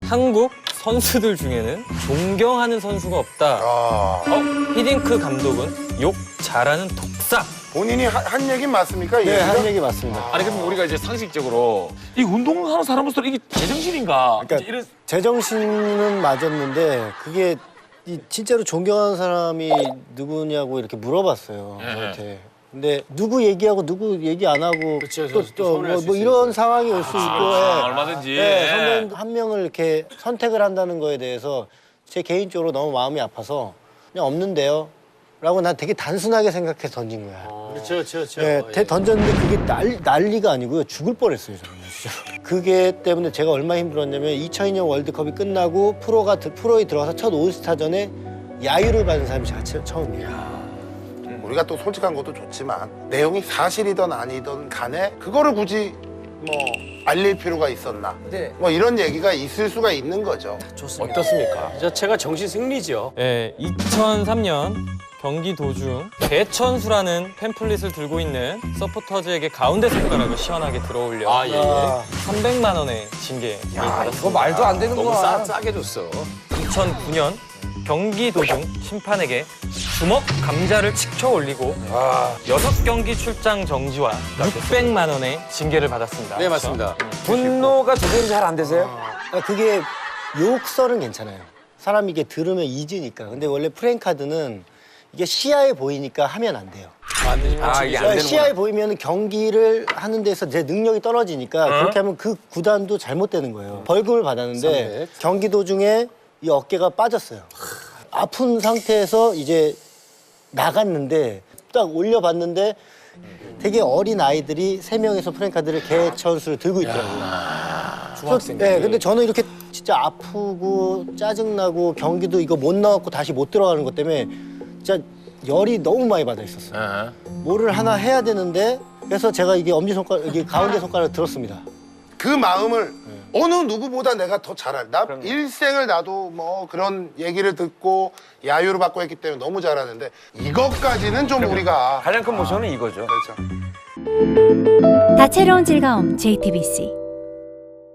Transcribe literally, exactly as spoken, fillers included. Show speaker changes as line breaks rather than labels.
한국 선수들 중에는 존경하는 선수가 없다.
아,
어? 히딩크 감독은 욕 잘하는 독사.
본인이 하, 한 얘기는 맞습니까? 이
네,
얘기가?
한 얘기 맞습니다.
아니 그럼 우리가 이제 상식적으로 이 운동하는 사람으로서 이게 제정신인가?
그러니까
이제 이런
제정신은 맞았는데 그게 이 진짜로 존경하는 사람이 누구냐고 이렇게 물어봤어요. 저한테. 근데 누구 얘기하고 누구 얘기 안 하고 또또뭐 뭐 이런 상황이 올 수 있고
아,
예.
얼마든지.
네, 선배님 한 명을 이렇게 선택을 한다는 거에 대해서 제 개인적으로 너무 마음이 아파서 그냥 없는데요. 라고 난 되게 단순하게 생각해서 던진 거야.
그렇죠, 그렇죠, 그렇죠.
네, 대 던졌는데 그게 난리, 난리가 아니고요. 죽을 뻔했어요, 저는 진짜. 그게 때문에 제가 얼마나 힘들었냐면 이천이 년 월드컵이 끝나고 프로가 드- 프로에 들어가서 첫 올스타전에 야유를 받은 사람이 제가 처- 처음이에요.
우리가 또 솔직한 것도 좋지만 내용이 사실이든 아니든 간에 그거를 굳이 뭐 알릴 필요가 있었나?
네.
뭐 이런 얘기가 있을 수가 있는 거죠.
어떻습니까? 이 자체가 정신 승리죠.
예, 이천삼 년 경기 도중 개천수라는 팸플릿을 들고 있는 서포터즈에게 가운데 손가락을 시원하게 들어올려
아, 예.
아,
삼백만 원의 징계 받았습니다.
이거 말도 안 되는
너무
거야.
싸, 싸게 줬어.
이천구 년 경기 도중 심판에게 주먹 감자를 치켜 올리고 여섯 경기 출장 정지와 육백만 원의 징계를 받았습니다.
네, 맞습니다.
분노가 조절이 잘 안 되세요?
아, 그게 욕설은 괜찮아요. 사람이 이게 들으면 잊으니까. 근데 원래 프랭카드는 이게 시야에 보이니까 하면 안 돼요.
안 되지.
아, 이게 안 되는
시야에 보이면 경기를 하는 데서 제 능력이 떨어지니까
어?
그렇게 하면 그 구단도 잘못되는 거예요. 벌금을 받았는데
삼백.
경기 도중에 이 어깨가 빠졌어요. 아픈 상태에서 이제 나갔는데 딱 올려봤는데 되게 어린 아이들이 세 명에서 프랭카드를 개천수를 들고 있더라고요. 중학생. 네, 근데 저는 이렇게 진짜 아프고 짜증나고 경기도 이거 못 나왔고 다시 못 들어가는 것 때문에 진짜 열이 너무 많이 받아 있었어요. 뭐를 하나 해야 되는데 그래서 제가 이게 엄지 손가락, 이게 가운데 손가락을 들었습니다.
그 마음을 어느 누구보다 내가 더 잘 알. 나 일생을 나도 뭐 그런 얘기를 듣고 야유를 받고 했기 때문에 너무 잘 아는데 이것까지는 좀 우리가
가장 큰 모션은 이거죠.
그렇죠.
다채로운 즐거움 제이티비씨